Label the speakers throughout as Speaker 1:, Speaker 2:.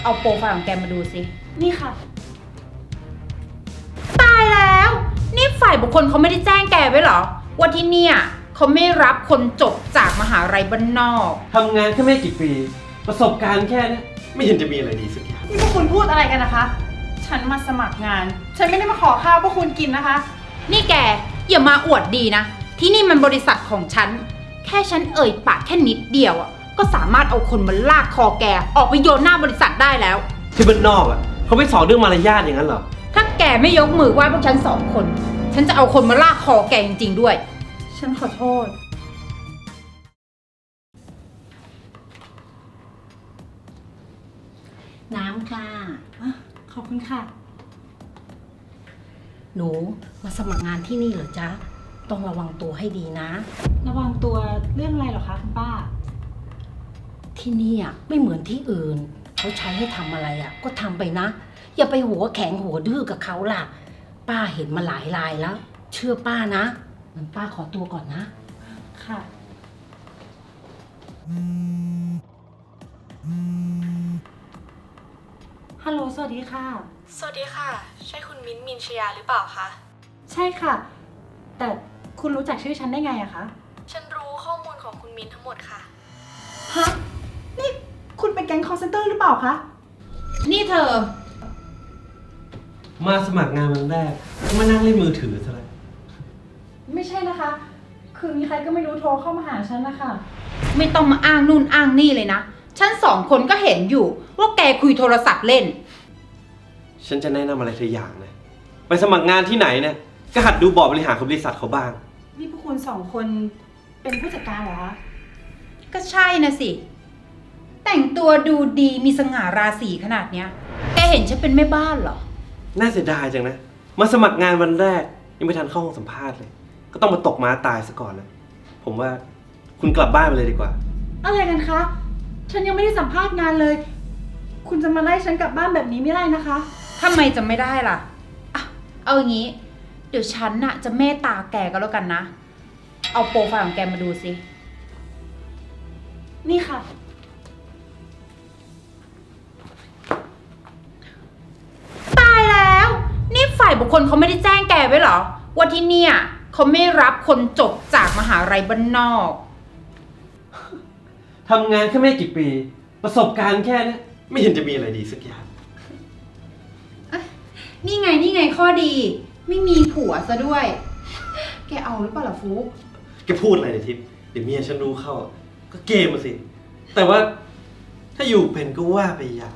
Speaker 1: เอาโปรไฟล์ของแกมาดูสิ
Speaker 2: นี่ค่ะ
Speaker 1: ตายแล้ว นี่ฝ่ายบุคคลเขาไม่ได้แจ้งแกไว้เหรอว่าที่เนี่ยเขาไม่รับคนจบจากมหาลัยบ้านนอก
Speaker 3: ทำงานแค่ไม่กี่ปี ประสบการณ์แค่นี้ไม่เห็นจะมีอะไรดีสักอย่าง
Speaker 2: นี่พวกคุณพูดอะไรกันนะคะ ฉันมาสมัครงาน ฉันไม่ได้มาขอข้าวพวกคุณกินนะคะ
Speaker 1: นี่แกอย่ามาอวดดีนะ ที่นี่มันบริษัทของฉัน แค่ฉันเอ่ยปากแค่นิดเดียวอ่ะก็สามารถเอาคนมาลากคอแกออกไปโยนหน้าบริษัทได้แล้ว
Speaker 3: ที่บ้านนอกอ่ะเขาไม่สอนเรื่องมารยาทอย่างนั้นเหรอ
Speaker 1: ถ้าแกไม่ยกมือไหว้พวกฉันสองคน ฉันจะเอาคนมาลากคอแกจริงๆด้วย
Speaker 2: ฉันขอโทษ
Speaker 4: น้ำค่ะ
Speaker 2: ขอบคุณค่ะ
Speaker 4: หนูมาสมัครงานที่นี่เหรอจ๊ะ ต้องระวังตัวให้ดีนะ
Speaker 2: ระวังตัวเรื่องอะไรเหรอคะคุณป้า
Speaker 4: ที่นี่อ่ะไม่เหมือนที่อื่น เขาใช้ให้ทำอะไรอ่ะ ก็ทำไปนะ อย่าไปหัวแข็งหัวดื้อกับเขาล่ะ ป้าเห็นมาหลายรายแล้ว เชื่อป้านะงั้นป้าขอตัวก่อนนะ
Speaker 2: ค่ะ ฮัลโหล สวัสดีค่ะ
Speaker 5: สวัสดีค่ะ ใช่คุณมิ้นท์มินชยาหรือเปล่าคะ
Speaker 2: ใช่ค่ะ แต่คุณรู้จักชื่อฉันได้ไงอะคะ
Speaker 5: ฉันรู้ข้อมูลของคุณมิ้นท์ทั้งหมดค่ะ
Speaker 2: ฮะ นี่คุณเป็นแก๊ง call center หรือเปล่าคะ
Speaker 1: นี่เธอ
Speaker 3: มาสมัครงานวันแรกก็มานั่งเล่นมือถือซะแล้ว
Speaker 2: ไม่ใช่นะคะ คือมีใครก็ไม่รู้โทรเข้ามาหาฉันนะคะ
Speaker 1: ไม่ต้องมาอ้างนู่นอ้างนี่เลยนะ ฉันสองคนก็เห็นอยู่ว่าแกคุยโทรศัพท์เล่น
Speaker 3: ฉันจะแนะนำอะไรเธออย่างนะ ไปสมัครงานที่ไหนเนี่ยก็หัดดูบอร์ดบริหารของบริษัทเขาบ้าง
Speaker 2: นี่พวกคุณสองคนเป็นผู้จัดการเหรอคะ
Speaker 1: ก็ใช่นะสิ แต่งตัวดูดีมีสง่าราศีขนาดเนี้ย แกเห็นฉันเป็นแม่บ้านเหรอ
Speaker 3: น่าเสียดายจังนะ มาสมัครงานวันแรกยังไม่ทันเข้าห้องสัมภาษณ์เลย ก็ต้องมาตกม้าตายซะก่อนนะ ผมว่าคุณกลับบ้านไปเลยดีกว่า
Speaker 2: อะไรกันคะ ฉันยังไม่ได้สัมภาษณ์งานเลย คุณจะมาไล่ฉันกลับบ้านแบบนี้ไม่ได้นะคะ
Speaker 1: ทำไมจะไม่ได้ล่ะอ่ะเอาอย่างนี้ เดี๋ยวฉันน่ะจะเมตตาแกก็แล้วกันนะ เอาโปรไฟล์ของแกมาดูสิ
Speaker 2: นี่ค่ะ
Speaker 1: ตายแล้ว นี่ฝ่ายบุคคลเขาไม่ได้แจ้งแกไว้เหรอว่าที่เนี่ยเขาไม่รับคนจบจากมหาลัยบ้านนอก
Speaker 3: ทำงานแค่ไม่กี่ปี ประสบการณ์แค่นี้ไม่เห็นจะมีอะไรดีสักอย่าง
Speaker 1: นี่ไงข้อดี ไม่มีผัวซะด้วย แกเอาหรือเปล่าล่ะฟุก
Speaker 3: แกพูดอะไรเนี่ยทิพย์เดี๋ยวเมียฉันรู้เข้า ก็เกมมาสิ แต่ว่าถ้าอยู่เป็นก็ว่าไปอย่าง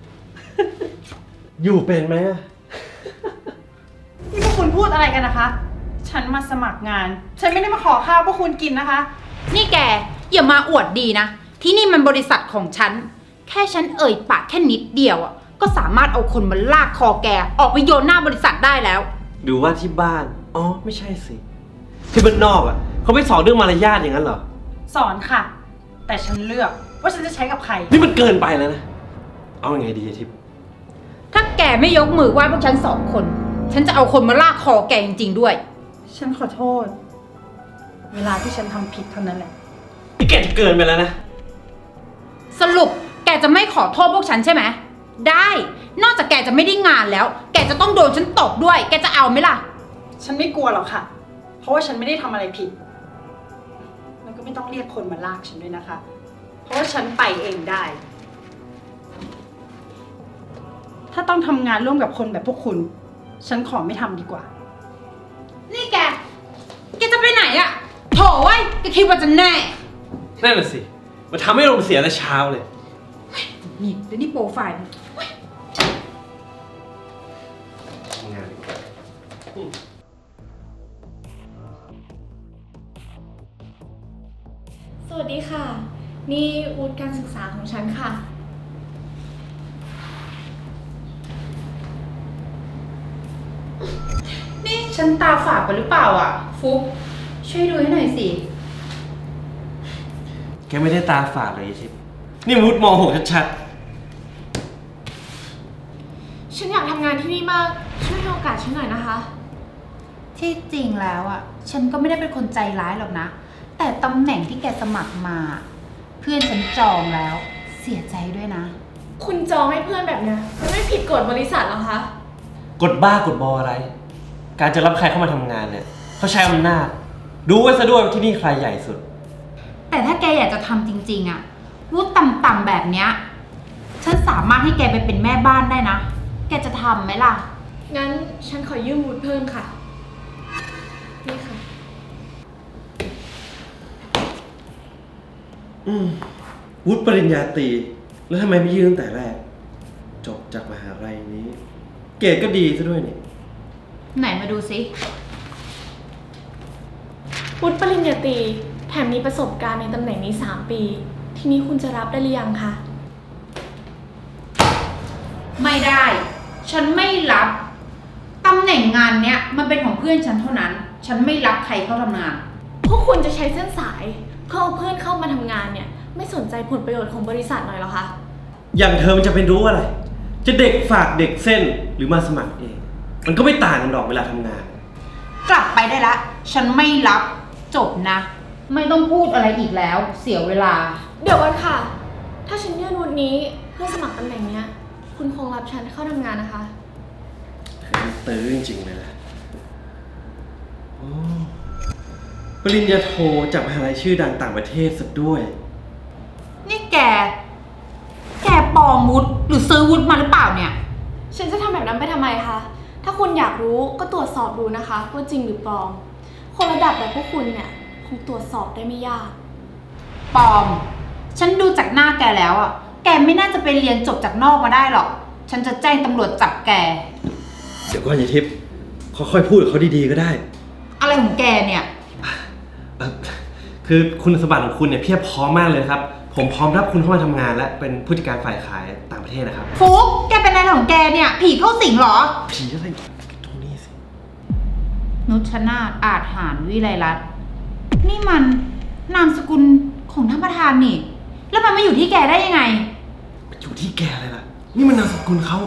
Speaker 3: อยู่เป็นไหมอะ
Speaker 2: นี่พวกคุณพูดอะไรกันนะคะ ฉันมาสมัครงาน ฉันไม่ได้มาขอข้าวพวกคุณกินนะคะ
Speaker 1: นี่แกอย่ามาอวดดีนะ ที่นี่มันบริษัทของฉัน แค่ฉันเอ่ยปากแค่นิดเดียวอ่ะก็สามารถเอาคนมาลากคอแกออกไปโยนหน้าบริษัทได้แล้ว
Speaker 3: ดูว่าที่บ้าน อ๋อ ไม่ใช่สิ ที่บ้านนอกอ่ะเขาไม่สอนเรื่องมารยาทอย่างนั้นเหรอ
Speaker 2: สอนค่ะ แต่ฉันเลือกว่าฉันจะใช้กับใคร
Speaker 3: นี่มันเกินไปแล้วนะ เอาอยัางไงดีอะทิพย์
Speaker 1: ถ้าแกไม่ยกมือไหว้พวกฉันสองคน ฉันจะเอาคนมาลากคอแกจริงๆด้วย
Speaker 2: ฉันขอโทษ เวลาที่ฉันทำผิดเท่านั้นแหละ
Speaker 3: นี่แกจะเกินไปแล้วนะ
Speaker 1: สรุปแกจะไม่ขอโทษพวกฉันใช่ไหม ได้ นอกจากแกจะไม่ได้งานแล้ว แกจะต้องโดนฉันตบด้วย แกจะเอาไหมล่ะ
Speaker 2: ฉันไม่กลัวหรอกค่ะ เพราะว่าฉันไม่ได้ทำอะไรผิด แล้วก็ไม่ต้องเรียกคนมาลากฉันด้วยนะคะ เพราะว่าฉันไปเองได้ ถ้าต้องทำงานร่วมกับคนแบบพวกคุณ ฉันขอไม่ทำดีกว่า
Speaker 1: นี่แกจะไปไหนอะโถไว้ยแกคิดว่าจะแน่
Speaker 3: นั่นน่ะสิ มันทำให้เราเสียแต่เช้าเลย
Speaker 1: นี่เดี๋ยวนี่โปรไฟล์
Speaker 3: ทำงานดีกว่า
Speaker 5: สวัสดีค่ะ นี่วุฒิการศึกษาของฉันค่ะ
Speaker 1: นี่ฉันตาฝาดไปหรือเปล่าอะฟุกช่วยดูให้หน่อยสิ
Speaker 3: แกไม่ได้ตาฝาดเลยทิพย์นี่มุดม.6ชัด
Speaker 5: ฉันอยากทำงานที่นี่มาก ช่วยให้โอกาสฉันหน่อยนะคะ
Speaker 1: ที่จริงแล้วอ่ะ ฉันก็ไม่ได้เป็นคนใจร้ายหรอกนะ แต่ตำแหน่งที่แกสมัครมา เพื่อนฉันจองแล้ว เสียใจด้วยนะ
Speaker 5: คุณจองให้เพื่อนแบบเนี้ยมันไม่ผิดกฎบริษัทเหรอคะ
Speaker 3: กดบ้ากดบออะไร การจะรับใครเข้ามาทำงานเนี่ยเขาใช้อำนาจดูไว้ซะด้วยว่าที่นี่ใครใหญ่สุด
Speaker 1: แต่ถ้าแกอยากจะทำจริงๆอะวุฒิต่ำๆแบบเนี้ย ฉันสามารถให้แกไปเป็นแม่บ้านได้นะ แกจะทำไหมล่ะ
Speaker 5: งั้นฉันขอยืมวุฒิเพิ่มค่ะ นี่ค่ะ
Speaker 3: วุฒิปริญญาตรีแล้วทำไมไม่ยื่นตั้งแต่แรก จบจากมหาลัยนี้ เกรดก็ดีซะด้วยนี่
Speaker 1: ไหนมาดูซิ
Speaker 5: วุฒิปริญญาตรีแถมมีประสบการณ์ในตำแหน่งนี้ 3 ปี ทีนี้คุณจะรับได้หรือยังคะ
Speaker 1: ไม่ได้ ฉันไม่รับ ตำแหน่งงานเนี้ยมันเป็นของเพื่อนฉันเท่านั้น ฉันไม่รับใครเข้าทำงาน
Speaker 5: พวกคุณจะใช้เส้นสายเพื่อเอาเพื่อนเข้ามาทำงานเนี่ย ไม่สนใจผลประโยชน์ของบริษัทหน่อยเหรอคะ
Speaker 3: อย่างเธอมันจะเป็นรู้อะไร จะเด็กฝากเด็กเส้นหรือมาสมัครเอง มันก็ไม่ต่างกันหรอกเวลาทำงาน
Speaker 1: กลับไปได้ละ ฉันไม่รับจบนะ ไม่ต้องพูดอะไรอีกแล้ว เสียเวลา
Speaker 5: เดี๋ยวก่อนค่ะ ถ้าฉันยื่นวุฒินี้เพื่อสมัครตำแหน่งเนี้ย คุณคงรับฉันเข้าทำงานนะคะ
Speaker 3: ตื้อจริงๆเลยนะโอ้ปริญญาโทจากมหาลัยชื่อดังต่างประเทศซะด้วย
Speaker 1: นี่แกปลอมวุฒิหรือซื้อวุฒิมาหรือเปล่าเนี่ย
Speaker 5: ฉันจะทำแบบนั้นไปทำไมคะ ถ้าคุณอยากรู้ก็ตรวจสอบดูนะคะว่าจริงหรือปลอม คนระดับแบบพวกคุณเนี่ยคงตรวจสอบได้ไม่ยาก
Speaker 1: ปลอม ฉันดูจากหน้าแกแล้วอ่ะ แกไม่น่าจะไปเรียนจบจากนอกมาได้หรอก ฉันจะแจ้งตำรวจจับแก
Speaker 3: เดี๋ยวก่อนยายทิพย์ค่อยๆพูดกับเขาดีๆก็ได้
Speaker 1: อะไรของแกเนี่ย
Speaker 3: คือคุณสมบัติของคุณเนี่ยเพียบพร้อมมากเลยครับ ผมพร้อมรับคุณเข้ามาทำงานและเป็นผู้จัดการฝ่ายขายต่างประเทศนะครับ
Speaker 1: ฟุกแกเป็นอะไรของแกเนี่ย ผีเข้าสิงเหรอ
Speaker 3: ผีอะไรตรงนี้สิ
Speaker 1: นุชนาถอาจหารวิไลรัตน์นี่มันนามสกุลของท่านประธานนี่ แล้วมันมาอยู่ที่แกได้ยังไง
Speaker 3: อยู่ที่แกเลยล่ะ นี่มันนามสกุลเขา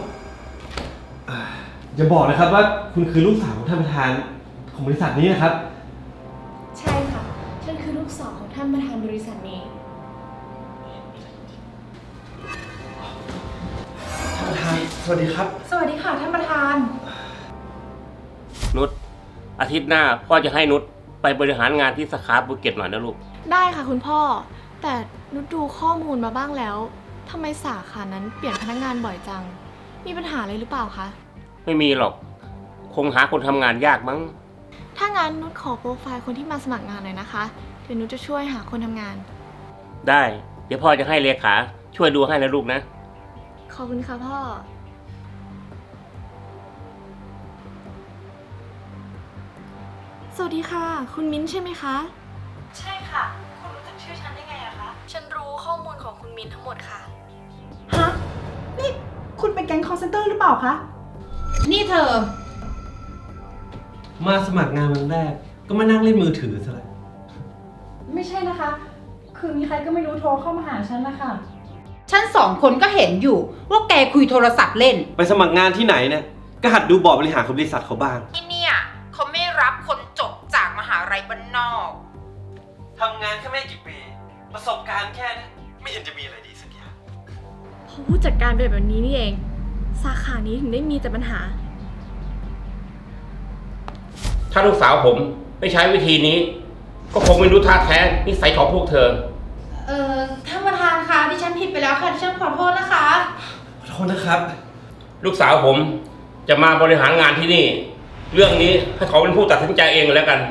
Speaker 3: อย่าบอกนะครับว่าคุณคือลูกสาวของท่านประธานของบริษัทนี้นะครับ
Speaker 5: ใช่ค่ะ ฉันคือลูกสาวของท่านประธานบริษัทนี้
Speaker 3: ท่านประธานสวัสดีครับ
Speaker 1: สวัสดีค่ะท่านประธาน
Speaker 6: นุชอาทิตย์หน้าพ่อจะให้นุชไปบริหารงานที่สาขาภูเก็ตหน่อยนะลูก
Speaker 5: ได้ค่ะคุณพ่อ แต่นุชดูข้อมูลมาบ้างแล้วทำไมสาขานั้นเปลี่ยนพนักงานบ่อยจัง มีปัญหาอะไรหรือเปล่าคะ
Speaker 6: ไม่มีหรอก คงหาคนทำงานยากมั้ง
Speaker 5: ถ้างั้นนุชขอโปรไฟล์คนที่มาสมัครงานหน่อยนะคะ เดี๋ยวนุชจะช่วยหาคนทำงาน
Speaker 6: ได้ เดี๋ยวพ่อจะให้เลขาช่วยดูให้นะลูกนะ
Speaker 5: ขอบคุณค่ะพ่อ สวัสดีค่ะ คุณมิ้นท์ใช่ไหมคะ ใช่ค่ะ คุณรู้จักชื่อฉันได้ไงอะคะ ฉันรู้ข้อมูลของคุณมิ้นท์ทั้งหมดค่ะ
Speaker 2: ฮะ นี่คุณเป็นแก๊งคอลเซ็นเตอร์หรือเปล่าคะ
Speaker 1: นี่เธอ
Speaker 3: มาสมัครงานวันแรก ก็มานั่งเล่นมือถือซะแล้ว
Speaker 2: ไม่ใช่นะคะ คือมีใครก็ไม่รู้โทรเข้ามาหาฉันนะคะ
Speaker 1: ฉันสองคนก็เห็นอยู่ว่าแกคุยโทรศัพท์เล่น
Speaker 3: ไปสมัครงานที่ไหนเนี่ยก็หัดดูบอร์ดบริหารของบริษัทเขาบ้าง
Speaker 1: ที่เนี่ยเขาไม่รับคนจบจากมหาลัยบ้านนอก
Speaker 3: ทำงานแค่ไม่กี่ปี ประสบการณ์แค่นี้ไม่เห็นจะมีอะไรดีสักอย่าง
Speaker 5: เพราะผู้จัดการเป็นแบบนี้นี่เอง สาขานี้ถึงได้มีแต่ปัญหา
Speaker 6: ถ้าลูกสาวผมไม่ใช้วิธีนี้ ก็คงไม่รู้ท่าแท้นิสัยของพวกเธอ
Speaker 1: ท่านประธานคะดิฉันผิดไปแล้วค่ะดิฉันขอโทษนะคะ
Speaker 3: ขอโทษนะครับ
Speaker 6: ลูกสาวผมจะมาบริหารงานที่นี่ เรื่องนี้ให้เขาเป็นผู้ตัดสินใจเองแล้วกัน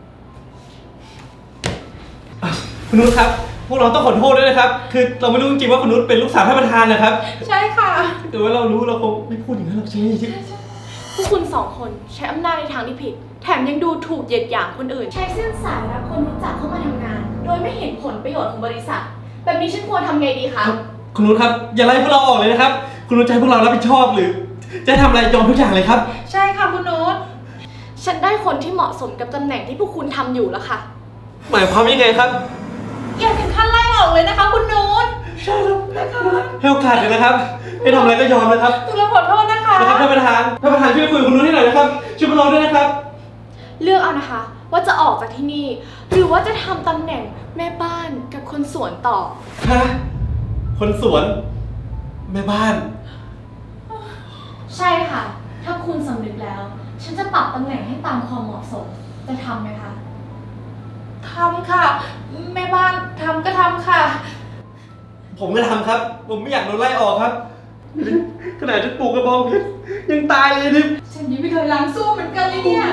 Speaker 3: คุณนุชครับ พวกเราต้องขอโทษด้วยนะครับ คือเราไม่รู้จริงๆว่าคุณนุชเป็นลูกสาวท่านประธานนะครับ
Speaker 1: ใช่ค่ะ
Speaker 3: แต่ว่าเรารู้เราคงไม่พูดอย่างนั้นหรอกใช่ไหมที่
Speaker 5: พวกคุณสองคนใช้อำนาจในทางที่ผิด แถมยังดูถูกเหยียดหยามคนอื่น ใช้เส้นสายรับคนรู้จักเข้ามาทำงาน โดยไม่เห็นผลประโยชน์ของบริษัท แบบนี้ฉันควรทำไงดีคะ
Speaker 3: คุณนุชครับ อย่าไล่พวกเราออกเลยนะครับ คุณนุชจะให้พวกเรารับผิดชอบหรือ จะทำอะไรยอมทุกอย่างเลยครับ
Speaker 1: ใช่ค่ะคุณนุช
Speaker 5: ฉันได้คนที่เหมาะสมกับตำแหน่งที่พวกคุณทำอยู่แล้วค่ะ
Speaker 3: หมายความยังไงครับ
Speaker 1: อย่าถึงขั้นไล่ออกเลยนะคะคุณนุช
Speaker 3: ใช่ครับให้โอกาสเลยนะครับให้ทำอะไรก็ยอมนะครับ
Speaker 1: ตุลาขอโทษนะคะ
Speaker 3: นะครับท่านประธานช่วยคุยกับคุณนุชให้หน่อยนะครับช่วยพวกเราด้วยนะครับ
Speaker 5: เลือกเอานะคะ ว่าจะออกจากที่นี่ หรือว่าจะทำตำแหน่งแม่บ้านกับคนสวนต่อ
Speaker 3: ฮะ คนสวนแม่บ้าน
Speaker 5: ใช่ค่ะ ถ้าคุณสำนึกแล้ว ฉันจะปรับตำแหน่งให้ตามความเหมาะสม จะทำไหมคะ
Speaker 7: ทำค่ะ แม่บ้านทำก็ทำค่ะ
Speaker 3: ผมไม่ทำครับ ผมไม่อยากโดนไล่ออกครับ ขนาดจะปลูกกระบองเพชรยังตายเลยทิพย์
Speaker 7: ฉันยังไม่เคยล้างสู้เหมือนกันเลยเนี่ย